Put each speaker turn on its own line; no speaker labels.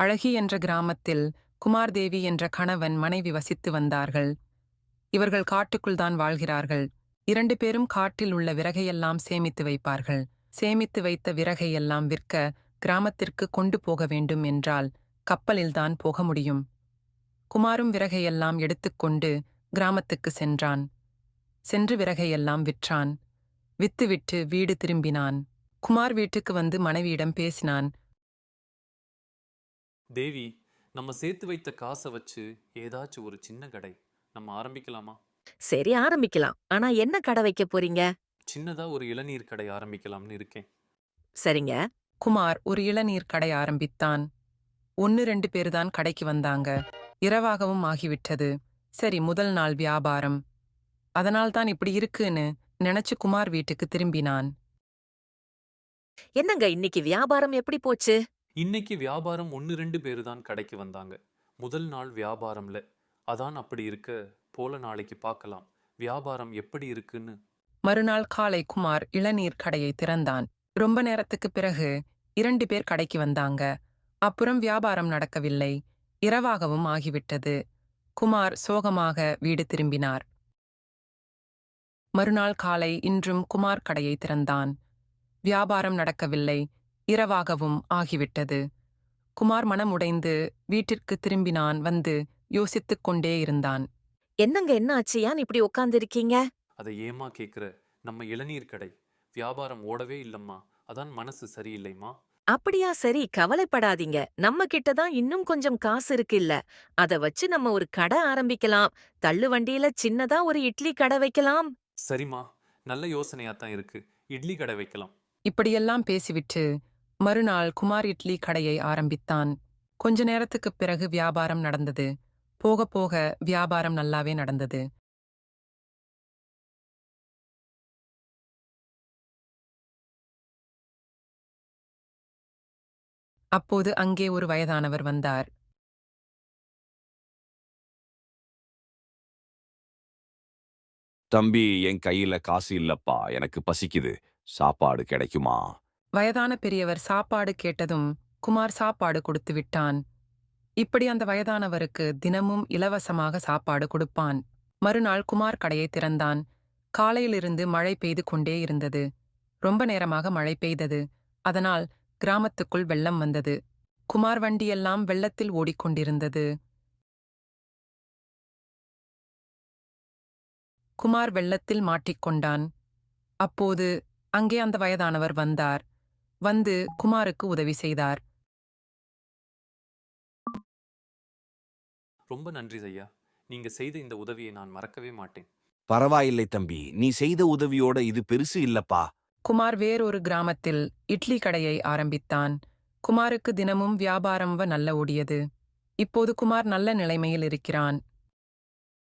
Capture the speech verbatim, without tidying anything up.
அழகி என்ற கிராமத்தில் குமார் தேவி என்ற கணவன் மனைவி வசித்து வந்தார்கள். இவர்கள் காட்டுக்குள்தான் வாழ்கிறார்கள். இரண்டு பேரும் காட்டில் உள்ள விறகையெல்லாம் சேமித்து வைப்பார்கள். சேமித்து வைத்த விறகையெல்லாம் விற்க கிராமத்திற்கு கொண்டு போக வேண்டும் என்றால் கப்பலில்தான் போக முடியும். குமாரும் விறகையெல்லாம் எடுத்துக்கொண்டு கிராமத்துக்கு சென்றான். சென்று விறகையெல்லாம் விற்றான். வித்துவிட்டு வீடு திரும்பினான். குமார் வீட்டுக்கு வந்து மனைவியிடம் பேசினான்.
தேவி, நம்ம சேர்த்து வைத்த காசை வச்சு ஏதாச்சும் ஒரு சின்ன கடை நம்ம ஆரம்பிக்கலாமா?
சரி, ஆரம்பிக்கலாம். ஆனா என்ன கடை வைக்க போறீங்க?
சின்னதா ஒரு இளநீர் கடை ஆரம்பிக்கலாம்னு இருக்கேன்.
சரிங்க.
குமார் ஒரு இளநீர் கடை ஆரம்பித்தான். ஒன்னு ரெண்டு பேர்தான் கடைக்கு வந்தாங்க. இரவாகவும் ஆகிவிட்டது. சரி, முதல் நாள் வியாபாரம். அதனால்தான் இப்படி இருக்குன்னு நினைச்சு குமார் வீட்டுக்கு திரும்பினான்.
என்னங்க இன்னைக்கு வியாபாரம் எப்படி போச்சு?
இன்னைக்கு வியாபாரம் ஒன்று ரெண்டு பேரு தான் கடைக்கு வந்தாங்க. முதல் நாள் வியாபாரம்ல. அதான் அப்படி இருக்க போல நாளைக்கு பார்க்கலாம் வியாபாரம் எப்படி இருக்குன்னு.
மறுநாள் காலை குமார் இளநீர் கடையை திறந்தான். ரொம்ப நேரத்துக்கு பிறகு இரண்டு பேர் கடைக்கு வந்தாங்க. அப்புறம் வியாபாரம் நடக்கவில்லை. இரவாகவும் ஆகிவிட்டது. குமார் சோகமாக வீடு திரும்பினார். மறுநாள் காலை இன்றும் குமார் கடையை திறந்தான். வியாபாரம் நடக்கவில்லை. இரவாகவும் ஆகிவிட்டது. குமார் மனம் உடைந்து வீட்டிற்கு திரும்பினான். வந்து யோசித்துக் கொண்டே இருந்தான்.
என்னங்க என்ன ஆச்சு? ஏன் இப்படி உட்கார்ந்திருக்கீங்க?
அதை ஏமா கேக்குற? நம்ம இளநீர் கடை வியாபாரம் ஓடவே இல்லம்மா. அதான் மனசு சரியில்லைம்மா.
அப்படியா? சரி, கவலைப்படாதீங்க. நம்ம கிட்ட தான் இன்னும் கொஞ்சம் காசு இருக்கு இல்ல. அத வச்சு நம்ம ஒரு கடை ஆரம்பிக்கலாம். தள்ளு வண்டியில சின்னதா ஒரு இட்லி கடை வைக்கலாம்.
சரிம்மா, நல்ல யோசனையாத்தான் இருக்கு. இட்லி கடை வைக்கலாம்.
இப்படியெல்லாம் பேசிவிட்டு மறுநாள் குமார் இட்லி கடையை ஆரம்பித்தான். கொஞ்ச நேரத்துக்குப் பிறகு வியாபாரம் நடந்தது. போக போக வியாபாரம் நல்லாவே நடந்தது. அப்போது அங்கே ஒரு வயதானவர் வந்தார்.
தம்பி, என் கையில காசு இல்லப்பா, எனக்கு பசிக்குது, சாப்பாடு கிடைக்குமா?
வயதான பெரியவர் சாப்பாடு கேட்டதும் குமார் சாப்பாடு கொடுத்து விட்டான். இப்படி அந்த வயதானவருக்கு தினமும் இலவசமாக சாப்பாடு கொடுப்பான். மறுநாள் குமார் கடையை திறந்தான். காலையிலிருந்து மழை பெய்து கொண்டே இருந்தது. ரொம்ப நேரமாக மழை பெய்தது. அதனால் கிராமத்துக்குள் வெள்ளம் வந்தது. குமார் வண்டியெல்லாம் வெள்ளத்தில் ஓடிக்கொண்டிருந்தது. குமார் வெள்ளத்தில் மாட்டிக்கொண்டான். அப்போது அங்கே அந்த வயதானவர் வந்தார். வந்து குமாருக்கு உதவி செய்தார்.
ரொம்ப நன்றி ஐயா. நீங்க செய்த இந்த உதவியை நான் மறக்கவே மாட்டேன்.
பரவாயில்லை தம்பி, நீ செய்த உதவியோட இது பெருசு இல்லப்பா.
குமார் வேறொரு கிராமத்தில் இட்லி கடையை ஆரம்பித்தான். குமாருக்கு தினமும் வியாபாரம் நல்ல ஓடியது. இப்போது குமார் நல்ல நிலைமையில் இருக்கிறான்.